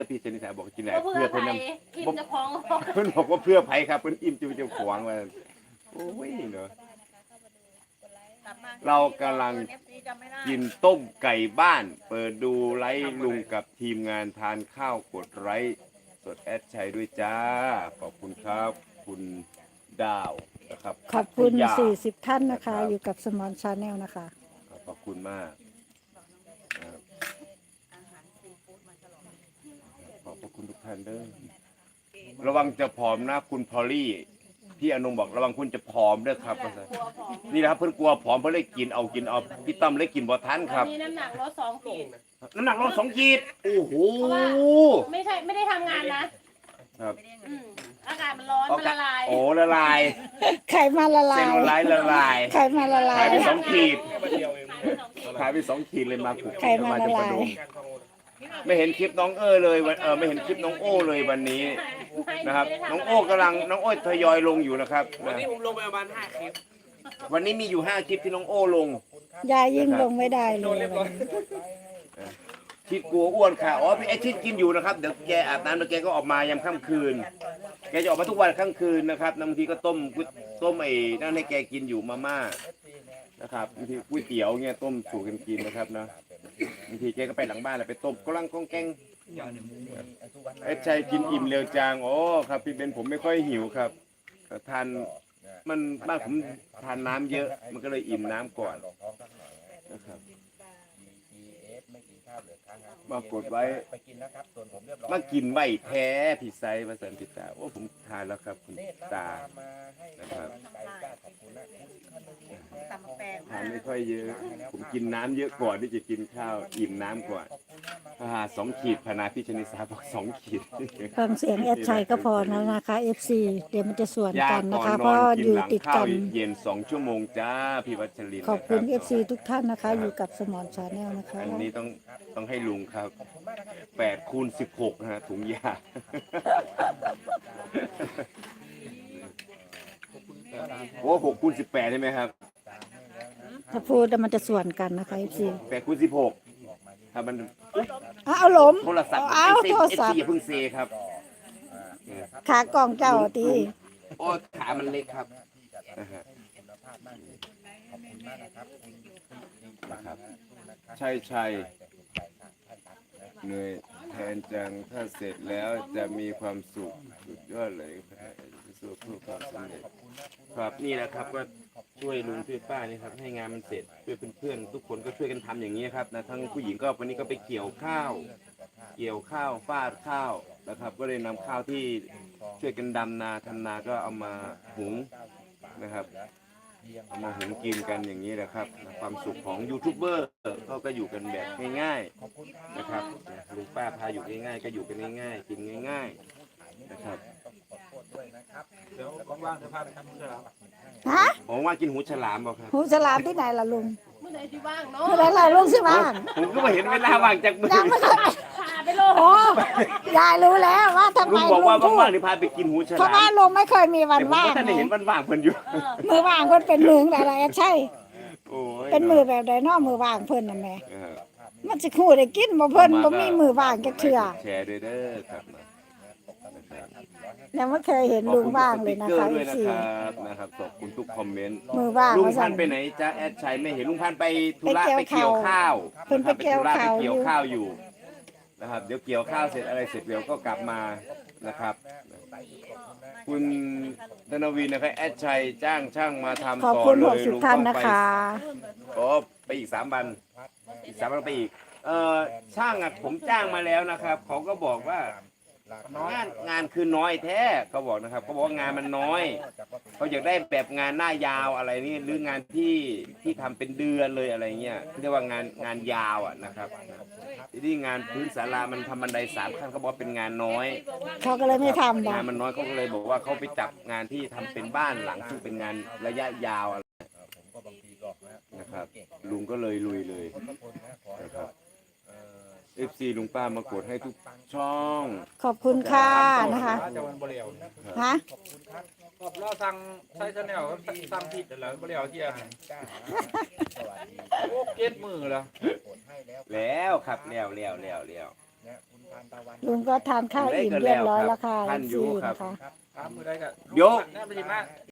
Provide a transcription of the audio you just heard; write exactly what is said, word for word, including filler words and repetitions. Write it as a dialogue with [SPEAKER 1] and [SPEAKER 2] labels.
[SPEAKER 1] พี่ชนิสาบอกกินไหน
[SPEAKER 2] เพื่อ
[SPEAKER 1] เพื่อ
[SPEAKER 2] ไผ
[SPEAKER 1] เพิ่น
[SPEAKER 2] อิ่มจะคล้อง
[SPEAKER 1] เพิ่นบอกว่าเพื่อไผครับเพิ่นอิ่มจะจะขวางมาโอ้ยเนาะเรากำลังกินต้มไก่บ้านเปิดดูไลฟ์ลุงกับทีมงานทานข้าวกดไลฟ์สดแอดชัยด้วยจ้าขอบคุณครับคุณดาวนะครับ
[SPEAKER 3] ขอบคุณ
[SPEAKER 1] พัทยา
[SPEAKER 3] สี่สิบท่านนะคะ
[SPEAKER 1] รับ
[SPEAKER 3] อยู่กับสมอนชาแนลนะคะ
[SPEAKER 1] ขอบคุณมากครับขอบพระคุณทุกท่านเด้อระวังจะผอมนะคุณพอลลี่พี่อนงบอกระวังคุณจะผอมเด้อครับนี่นะครับเพิ่นกลัวผอมเพิ่นเลยกินเอากินเอาพี่ตั้มเลยกินบ่ทันค
[SPEAKER 2] วั
[SPEAKER 1] รั
[SPEAKER 2] น
[SPEAKER 1] บ
[SPEAKER 2] นี้น้ำหนักลดสองขีด
[SPEAKER 1] น้ำหนักลดสองขีดโอ้โห
[SPEAKER 2] ไม่ใช่ไม่ได้ทำงานนะครับ อืมอากาศมันร้อนมันละลาย
[SPEAKER 1] โอ้ละลาย
[SPEAKER 3] ไข่มาละลา
[SPEAKER 1] เส้น
[SPEAKER 3] ย
[SPEAKER 1] ละลายละลาย
[SPEAKER 3] ไข่มาละลา
[SPEAKER 1] ขาย
[SPEAKER 3] ย
[SPEAKER 1] ไปสองขีดขายไปสองขีดเลยมาขุก
[SPEAKER 3] ไข่มาละลาย
[SPEAKER 1] ไม่เห็นคลิปน้องเอ้อเลยวันเออไม่เห็นคลิปน้องโอ้เลยวันนี้นะครับน้องโอ้กำลังน้องโอ้ทยอยลงอยู่นะครับ
[SPEAKER 4] วันนี้ผมลงไปประมาณห้าคลิป
[SPEAKER 1] วันนี้มีอยู่ห้าคลิปที่น้องโอ้ลง
[SPEAKER 3] ยายยิ่งลงไม่ได้เลย
[SPEAKER 1] ชิดกลัวอ้วนค่ะอ๋อพี่ไอชิดกินอยู่นะครับเดี๋ยวแกอาบน้ำแล้วแกก็ออกมายามค่ำคืน แกจะออกมาทุกวันค่ำคืนนะครับบางทีก็ต้มต้มไอ้นั่นให้แกกินอยู่มาม่านะครับบางทีก๋วยเตี๋ยวเงี้ยต้มสู่กันกินนะครับนะบางทีแกก็ไปหลังบ้านแล้วไปต้มกลังก้องแกงไอ้ชัยกินอิ่มเร็วจังโอ้ครับพี่เบนผมไม่ค่อยหิวครับทานมันบ้านผมทานน้ำเยอะมันก็เลยอิ่มน้ำก่อนนะครับมากดไว้มากินไว้แท้พี่ไซมาสันติตาโอ้ผมทานแล้วครับคุณตานะครับทานไม่ค่อยเยอะผมกินน้ำเยอะก่อนที่จะกินข้าวอิ่มน้ำก่อนอ่าสองขีดพนาพี่ชนิสาบอกสองขีด
[SPEAKER 3] ฟังเสียงแอดชัยก็พอแล้วนะคะ เอฟ ซี เดี๋ยวมันจะสวน
[SPEAKER 1] ยา
[SPEAKER 3] กันนะ
[SPEAKER 1] ก่อน
[SPEAKER 3] คะ
[SPEAKER 1] น
[SPEAKER 3] เพ
[SPEAKER 1] อน
[SPEAKER 3] ราะ
[SPEAKER 1] กิน
[SPEAKER 3] อยู่
[SPEAKER 1] หลัง
[SPEAKER 3] ติด
[SPEAKER 1] ข้า
[SPEAKER 3] กั
[SPEAKER 1] วน เย็นสองชั่วโมงจ้าพี่วัชรินทร์
[SPEAKER 3] ขอบคุณ
[SPEAKER 1] นะ
[SPEAKER 3] เอ
[SPEAKER 1] รับ
[SPEAKER 3] ฟ ซี ทุกท่านนะคะ อยู่กับสมอนชาแนลนะคะ
[SPEAKER 1] อันนี้ต้องต้องให้ลุงครับแปดคูณสิบหกนะฮะถุงยาโอ้หกคูณสิบแปดใช่ไหมครับ
[SPEAKER 3] ถ้าพูดแล้วมันจะสวนกันนะคะ เอฟ ซี
[SPEAKER 1] แปดคูณสิบหกถ้ามัน
[SPEAKER 3] เอาหลม
[SPEAKER 1] โทรศัพท์
[SPEAKER 3] เอา
[SPEAKER 1] เอ
[SPEAKER 3] โทร
[SPEAKER 1] ส
[SPEAKER 3] ศัพท์
[SPEAKER 1] อย่าเพิ่งเซครับ
[SPEAKER 3] ขากล่องเจ้าตี
[SPEAKER 1] โอ้ขามันเล็กครับนะฮะนะครับใช่ใช่เหนื่อยแทนจังถ้าเสร็จแล้วจะมีความสุขสุดยอดเลยสู้เพื่อความสำเร็จครับนี่แหละครับก็ช่วยลุงช่วยป้านี่ครับให้งานมันเสร็จช่วยเพื่อนๆทุกคนก็ช่วยกันทำอย่างนี้ครับนะทั้งผู้หญิงก็วันนี้ก็ไปเกี่ยวข้าว เกี่ยวข้าวฟาดข้าวนะครับ ก็เลยนำข้าวที่ช่วยกันดำนาทำนาก็เอามาหุงนะครับเอามาหุงกินกันอย่างนี้แหละครับความสุขของยูทูบเบอร์เขาก็อยู่กันแบบง่ายๆนะครับลุงป้าพาอยู่ง่ายๆก็อยู่กันง่ายๆกินง่ายๆนะครับ
[SPEAKER 4] เดี๋ยวว่างๆเดี๋ยวพาไปทำเสื้อ
[SPEAKER 3] ฮะ
[SPEAKER 1] ผมว่ากินหูฉลามบอกครับ
[SPEAKER 3] หูฉลามที่ไหนล่ะลุง
[SPEAKER 2] เมื่อไหร่ที่ว่างเนาะ
[SPEAKER 3] เมื่อไหรล่ะลุงสิบ้าง
[SPEAKER 1] ผมก็มาเห็นเวลาว่างจากมือ
[SPEAKER 3] ยังไม่เคย
[SPEAKER 2] พาไปโลด
[SPEAKER 3] โอ้ยายรู้แล้วว่าทำไม
[SPEAKER 1] ลุงบอก
[SPEAKER 3] ลุ
[SPEAKER 1] ว่าง
[SPEAKER 3] พูด
[SPEAKER 1] ว่างๆนี่พาไปกินหูฉ
[SPEAKER 3] เพราะ
[SPEAKER 1] ลา
[SPEAKER 3] ว่าม ลุงไม่เคยมีวัน
[SPEAKER 1] แต่ผม
[SPEAKER 3] ว่าง
[SPEAKER 1] ก็ท่านได้เห็น
[SPEAKER 3] ไง
[SPEAKER 1] ว่างๆเพิ่นอยู่
[SPEAKER 3] มือว่างเพิ่นเป็นมืออะไรอะใช่
[SPEAKER 1] โอ้ย
[SPEAKER 3] เป็นมือแบบใดเนอมือว่างเพิ่นน่ะแหม่
[SPEAKER 1] เออ
[SPEAKER 3] มันสิคู่ได้กินบ่เพิ่นบ่มีมือว่างจักเทื่อ
[SPEAKER 1] แชร์ด้วยเด้อครับนะครับ
[SPEAKER 3] ยังไม่เคยเห็นลุงว่างเลยนะ
[SPEAKER 1] ขอบ
[SPEAKER 3] คะ
[SPEAKER 1] ณทุกสติ๊กเกอร์ด้วย
[SPEAKER 3] สี่
[SPEAKER 1] นะครับนะครับขอบคุณทุกคอมเมนต์
[SPEAKER 3] มือว่าง
[SPEAKER 1] ลุง
[SPEAKER 3] ว่า
[SPEAKER 1] พั
[SPEAKER 3] ซั่
[SPEAKER 1] น
[SPEAKER 3] น
[SPEAKER 1] ธุ์ไปไหนจ้าแอดชัยไม่เห็นลุงพันธุ์ไปธุระ
[SPEAKER 3] ไป
[SPEAKER 1] ไป
[SPEAKER 3] เกี่
[SPEAKER 1] เกี่
[SPEAKER 3] ย
[SPEAKER 1] ยว วข้าว
[SPEAKER 3] เพิ่นไปเกี่ยว
[SPEAKER 1] นะครับ
[SPEAKER 3] ข้าว
[SPEAKER 1] ไปเกี่ยว
[SPEAKER 3] อยู่
[SPEAKER 1] ข้าวอยู่นะครับเดี๋ยวเกี่ยวข้าวเสร็จอะไรเสร็จเดี๋ยวก็กลับมานะครับ คุณธนวินนะครับแอดชัยจ้างช่างมาทำ
[SPEAKER 3] ขอบ
[SPEAKER 1] ต่อ
[SPEAKER 3] คุณ
[SPEAKER 1] เล
[SPEAKER 3] หก
[SPEAKER 1] ย
[SPEAKER 3] สิบ
[SPEAKER 1] ลุง
[SPEAKER 3] ท่าน
[SPEAKER 1] ต้อง
[SPEAKER 3] นะ
[SPEAKER 1] ไป
[SPEAKER 3] คะ
[SPEAKER 1] โอ้ไปอีกสามวันอีกสามวันไปอีกเอ่อช่างอ่ะผมจ้างมาแล้วนะครับเขาก็บอกว่างานงานคือน้อยแท้เขาบอกนะครับเขาบอกว่างานมันน้อยเขาอยากได้แบบงานหน้ายาวอะไรนี่หรืองานที่ที่ทำเป็นเดือนเลยอะไรเงี้ยเรียกว่างานงานยาวอ่ะนะครับที่งานพื้นศาลามันทำบันไดสามขั้นเขาบอกเป็นงานน้อย
[SPEAKER 3] เขาก็เลยไม่ทำ
[SPEAKER 1] งา
[SPEAKER 3] นะ
[SPEAKER 1] นมันน้อยเขาก็เลยบอกว่าเขาไปจับงานที่ทำเป็นบ้านหลังซึ่งเป็นงานระยะยาวอะไรนะครับลุงก็เลยลุยเลยนะครับเอฟซีลุงป้ามากดให้ทุกช่อง
[SPEAKER 3] ขอบคุณค่ะนะคะ
[SPEAKER 4] จะวันบริเวณ
[SPEAKER 3] ฮะ
[SPEAKER 4] เราสั่งใช้ชาแนลสั่งผิดแล้วบริเวณที่อาหารโอ้เก็ดมือแล้ว
[SPEAKER 1] แล้วครับแล้วแล้วแล้วแล้ว
[SPEAKER 3] ลุงก็ทานข้าวอิ่มเรียบร้อยแล้วค่ะ
[SPEAKER 1] ท่านอยู่
[SPEAKER 3] สี่
[SPEAKER 1] ครับ
[SPEAKER 3] นะคะ
[SPEAKER 4] ครับมือได้ก็
[SPEAKER 1] เดี๋ยว
[SPEAKER 4] แน่ไปดีมาก